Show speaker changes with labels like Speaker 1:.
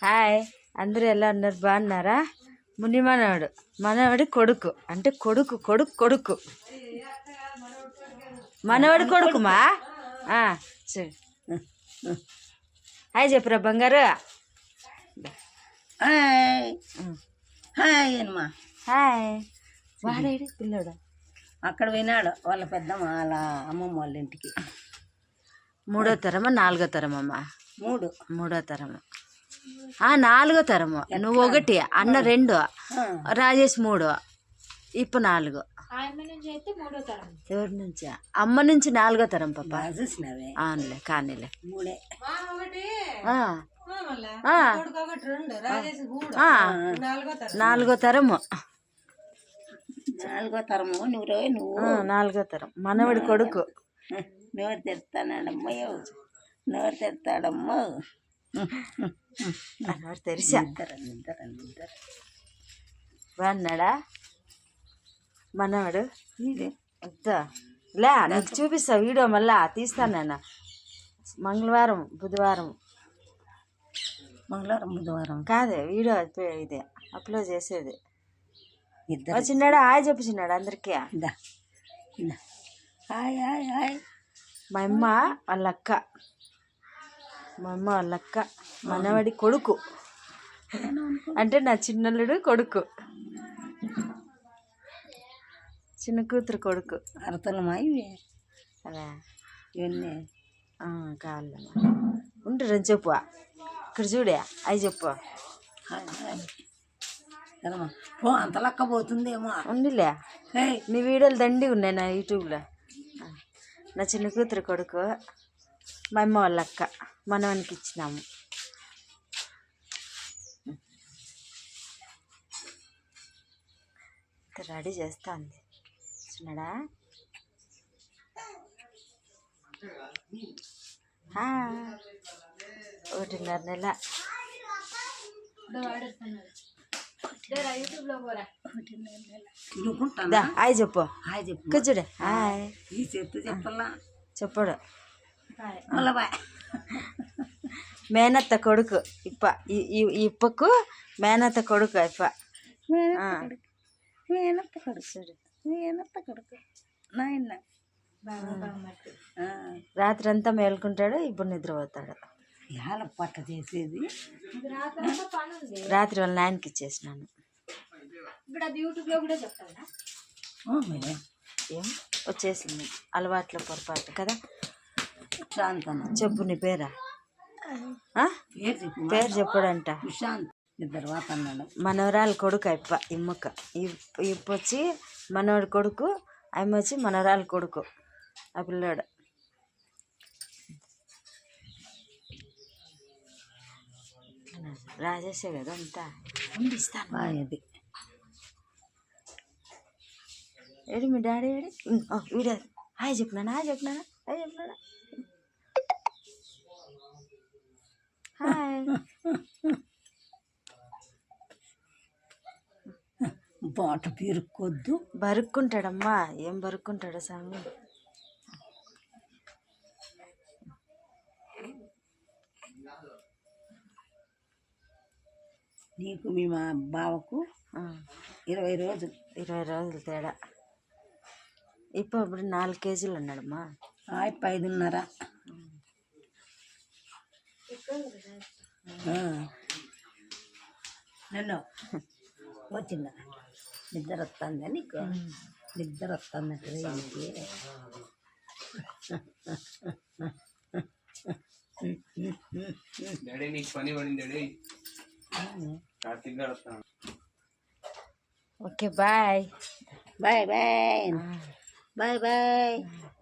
Speaker 1: Hi, అందరూ ఎలా ఉన్నారు? బాగున్నారా? ముని మనవడి కొడుకు అంటే కొడుకు కొడుకు కొడుకు మనవడి కొడుకుమా. సరే, హాయ్ చెప్పురా బంగారు.
Speaker 2: హాయ్ హాయ్ అమ్మా.
Speaker 1: హాయ్. వాడేడి పిల్లడు
Speaker 2: అక్కడ వినాడు వాళ్ళ పెద్దమ్మ వాళ్ళ అమ్మమ్మ వాళ్ళ ఇంటికి.
Speaker 1: మూడో తరమా నాలుగో తరమమ్మా? మూడో తరము. నాలుగో తరము. నువ్వు ఒకటి, అన్న రెండు, రాజేష్ మూడు, ఇప్పుడు నాలుగు. ఎవరి నుంచి? అమ్మ నుంచి నాలుగో తరం పాప. అవునులే, కానీలే. నాలుగో తరము. నాలుగో తరం మనవడి కొడుకు.
Speaker 2: నోరు తెరుతాడమ్మో, నోరు తెరుతాడమ్మో.
Speaker 1: తెరిసా బాగున్నాడా మనవాడు? లే, నీకు చూపిస్తా వీడియో, మళ్ళా తీస్తాను నేను. మంగళవారం బుధవారం కాదే వీడియో ఇది అప్లోడ్ చేసేది. చిన్నాడా హాయ్ చెప్పు చిన్నాడు అందరికీ.
Speaker 2: Hi hi hi.
Speaker 1: మా అమ్మ వాళ్ళ అక్క, మనవడి కొడుకు అంటే నా చిన్నల్లుడు కొడుకు, చిన్న కూతురు కొడుకు.
Speaker 2: అరతలమా ఇవి?
Speaker 1: అలా
Speaker 2: ఇవన్నీ
Speaker 1: కావాలమ్మా. ఉంటారని చెప్పు. ఇక్కడ చూడే అవి చెప్పు.
Speaker 2: అంత లెక్క పోతుందేమో.
Speaker 1: ఉండిలే, నీ వీడియోలు దండి ఉన్నాయి నా యూట్యూబ్లో. నా చిన్న కూతురు కొడుకు, మా అమ్మ వాళ్ళ అక్క, మనవానికి ఇచ్చినాము. రెడీ చేస్తా ఉంది చిన్నడా. 1.5 నెల. హాయ్ చెప్పు. కూర్చుడే హాయ్ చెప్పడు. మేనత్త కొడుకు ఇప్ప, ఇప్పకు మేనత్త కొడుకు ఇప్ప. రాత్రి అంతా మేలుకుంటాడు, ఇప్పుడు నిద్రపోతాడు.
Speaker 2: పట్ట చేసేది
Speaker 1: రాత్రి వాళ్ళ నాయనకి ఇచ్చేసినాను. ఏం వచ్చేసింది అలవాట్లో పొరపాటు కదా. చెప్పు నీ పేరా? పేరు చెప్పడంట. మనవరాలు కొడుకు ఇప్ప, ఇమ్మక్క. ఇప్ప వచ్చి మనవడి కొడుకు, అమ్మ వచ్చి మనవరాలు కొడుకు. ఆ పిల్లోడు రాజేసే కదా అంతా. ఇస్తాను. ఏడి మీ డాడీ ఏడి? వీడియో హాయ్ చెప్పినానా? హాయ్.
Speaker 2: బాట పీరుక్కొద్దు.
Speaker 1: బరుక్కుంటాడమ్మా. ఏం బరుక్కుంటాడు స్వామి.
Speaker 2: నీకు మీ మా బావకు 20 రోజులు
Speaker 1: తేడా. ఇప్పుడు 4 కేజీలు ఉన్నాడమ్మా.
Speaker 2: 5.5. నన్ను వచ్చిందా నిద్ర వస్తుందా నీకు? నిద్ర వస్తుందంటే
Speaker 1: ఓకే బాయ్.
Speaker 2: బాయ్.